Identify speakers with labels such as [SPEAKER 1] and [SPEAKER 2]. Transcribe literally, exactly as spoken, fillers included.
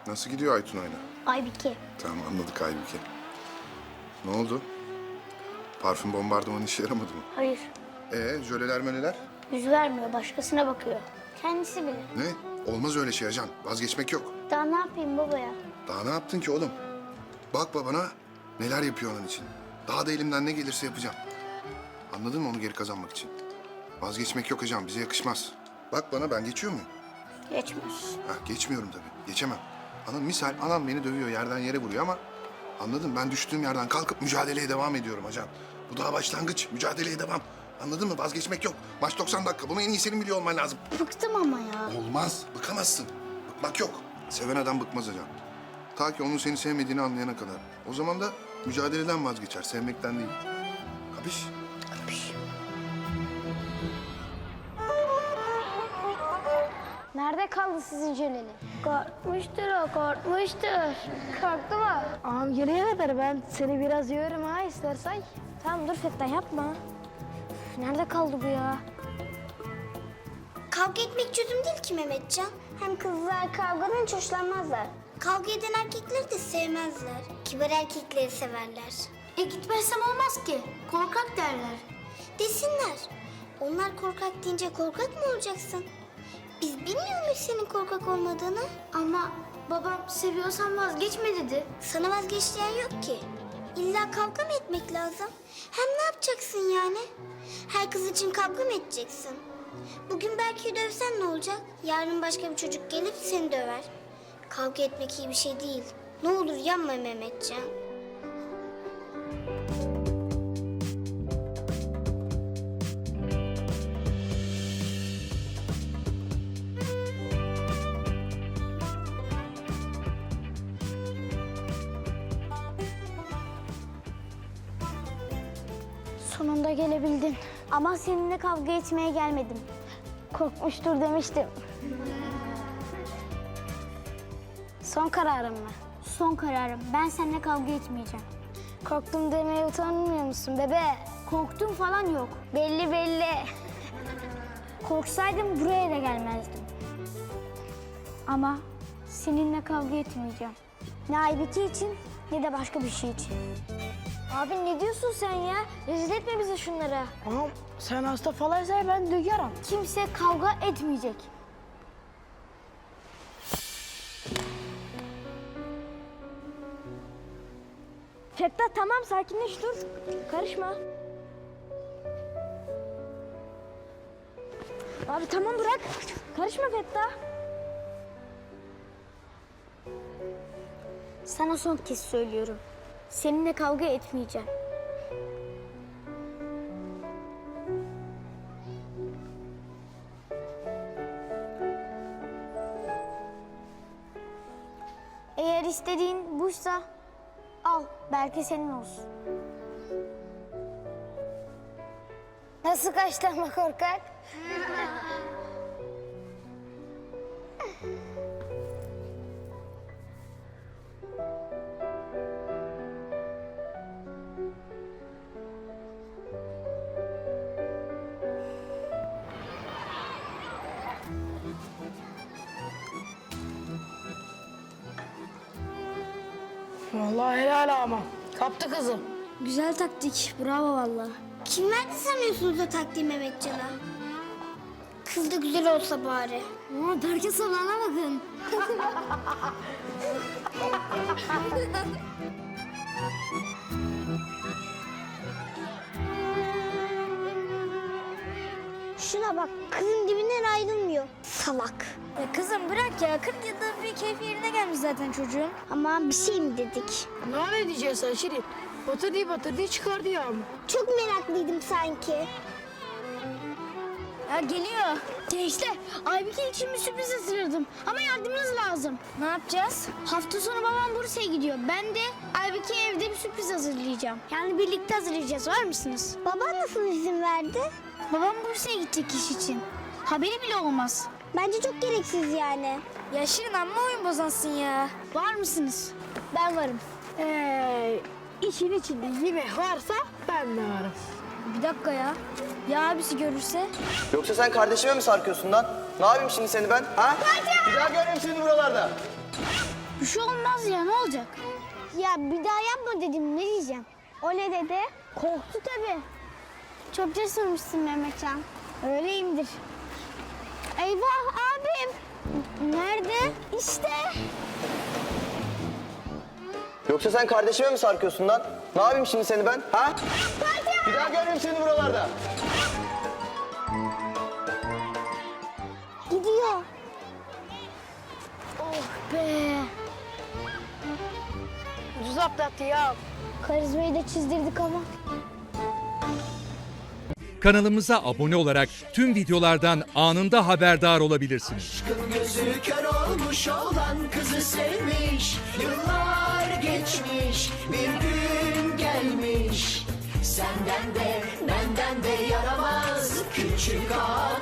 [SPEAKER 1] Nasıl gidiyor Aytun oyna?
[SPEAKER 2] Aybike.
[SPEAKER 1] Tamam anladık Aybüke. Ne oldu? Parfüm bombardımanı işe yaramadı mı?
[SPEAKER 2] Hayır.
[SPEAKER 1] Ee, jöleler möleler?
[SPEAKER 2] Yüz vermiyor, başkasına bakıyor. Kendisi bilir.
[SPEAKER 1] Ne? Olmaz öyle şey Acan. Vazgeçmek yok.
[SPEAKER 2] Daha ne yapayım baba ya?
[SPEAKER 1] Daha ne yaptın ki oğlum? Bak babana neler yapıyor onun için. Daha da elimden ne gelirse yapacağım. Anladın mı onu geri kazanmak için? Vazgeçmek yok Acan, bize yakışmaz. Bak bana, ben geçiyor muyum?
[SPEAKER 2] Geçmez.
[SPEAKER 1] Ha, geçmiyorum tabii, geçemem. Anam misal, anam beni dövüyor, yerden yere vuruyor ama... Anladın, ben düştüğüm yerden kalkıp mücadeleye devam ediyorum Acan. Bu daha başlangıç, mücadeleye devam. Anladın mı? Vazgeçmek yok. Maç doksan dakika, bunu en iyi senin biliyor olman lazım.
[SPEAKER 2] Bıktım ama ya.
[SPEAKER 1] Olmaz, bıkamazsın. Bıkmak yok. Seven adam bıkmaz Acan. Ta ki onun seni sevmediğini anlayana kadar. O zaman da mücadeleden vazgeçer, sevmekten değil. Kapış?
[SPEAKER 2] Kapış. Nerede kaldı sizin jöleli? Korkmuştur o, korkmuştur. Korktu mu?
[SPEAKER 3] Ağam gelene kadar ben seni biraz yorurum ha istersen.
[SPEAKER 2] Tamam dur Fettah yapma. Üf, nerede kaldı bu ya?
[SPEAKER 4] Kavga etmek çözüm değil ki Mehmetcan.
[SPEAKER 2] Hem kızlar kavgadan hiç hoşlanmazlar.
[SPEAKER 4] Kavga eden erkekleri de sevmezler. Kibar erkekleri severler.
[SPEAKER 2] E gitmezsem olmaz ki. Korkak derler.
[SPEAKER 4] Desinler. Onlar korkak deyince korkak mı olacaksın? Biz bilmiyor muyuz senin korkak olmadığını?
[SPEAKER 2] Ama babam seviyorsan vazgeçme dedi.
[SPEAKER 4] Sana vazgeçleyen yok ki. İlla kavga mı etmek lazım? Hem ne yapacaksın yani? Her kız için kavga mı edeceksin? Bugün belki dövsen ne olacak? Yarın başka bir çocuk gelip seni döver. Kavga etmek iyi bir şey değil. Ne olur yanma Mehmetcan.
[SPEAKER 2] Sonunda gelebildin. Ama seninle kavga etmeye gelmedim. Korkmuştur demiştim. Son kararım mı? Son kararım. Ben seninle kavga etmeyeceğim.
[SPEAKER 3] Korktum demeye utanmıyor musun bebe?
[SPEAKER 2] Korktum falan yok. Belli belli. Korksaydım buraya da gelmezdim. Ama seninle kavga etmeyeceğim. Ne Aybike için ne de başka bir şey için.
[SPEAKER 3] Abi ne diyorsun sen ya? Rezil etme bizi şunlara. Ağam sen hasta falansa ben duyarım.
[SPEAKER 2] Kimse kavga etmeyecek.
[SPEAKER 3] Fettah tamam sakinleş dur. Karışma. Abi tamam bırak. Karışma Fettah.
[SPEAKER 2] Sana son kez söylüyorum. Seninle kavga etmeyeceğim. Eğer istediğin buysa al, belki senin olsun. Nasıl kaçtı ama korkak?
[SPEAKER 3] Vallahi helal ama. Kaptı kızı.
[SPEAKER 2] Güzel taktik, bravo vallahi.
[SPEAKER 4] Kim verdi sanıyorsunuz o taktiği Mehmetcan'a? Kız da güzel olsa bari.
[SPEAKER 2] Ama Berke salana bakın.
[SPEAKER 4] Şuna bak, kızın dibinden ayrılmıyor. Salak.
[SPEAKER 2] Ya kızım bırak ya, kırk yılda bir keyfi yerine gelmiş zaten çocuğun.
[SPEAKER 4] Ama bir şey mi dedik?
[SPEAKER 3] Ne ne diyeceksin sen Şirin? Batırdı batırdı çıkardı ya.
[SPEAKER 4] Çok meraklıydım sanki.
[SPEAKER 2] Ya geliyor. Gençler, Aybike için bir sürpriz hazırladım. Ama yardımınız lazım. Ne yapacağız? Hafta sonu babam Bursa'ya gidiyor. Ben de Aybike'ye evde bir sürpriz hazırlayacağım. Yani birlikte hazırlayacağız. Var mısınız?
[SPEAKER 4] Baban nasıl izin verdi?
[SPEAKER 2] Babam Bursa'ya gidecek iş için. Haberi bile olmaz.
[SPEAKER 4] Bence çok gereksiz yani.
[SPEAKER 2] Ya Şirin amma oyun bozansın ya. Var mısınız? Ben varım.
[SPEAKER 3] Ee, işin içinde yemek varsa ben de varım.
[SPEAKER 2] Bir dakika ya. Ya abisi görürse?
[SPEAKER 5] Yoksa sen kardeşime mi sarkıyorsun lan? Ne yapayım şimdi seni ben? Ha? Bir daha görmeyeyim seni buralarda.
[SPEAKER 2] Bir şey olmaz ya, ne olacak?
[SPEAKER 3] Ya bir daha yapma dedim, ne diyeceğim? O ne dedi? Korktu tabii.
[SPEAKER 2] Çok cesurmuşsun Mehmetcan. Öyleyimdir. Eyvah abim. Nerede? İşte.
[SPEAKER 5] Yoksa sen kardeşime mi sarkıyorsun lan? Ne yapayım şimdi seni ben? Ha? Bir daha görmeyeyim seni buralarda.
[SPEAKER 2] Gidiyor. Oh be.
[SPEAKER 3] Ucuz atlattı ya.
[SPEAKER 2] Karizmayı da çizdirdik ama.
[SPEAKER 6] Kanalımıza abone olarak tüm videolardan anında haberdar olabilirsiniz.
[SPEAKER 7] Gözü kör olmuş olan kızı sevmiş. Yıllar geçmiş, bir gün gelmiş. Senden de benden de yaramaz küçük ağa.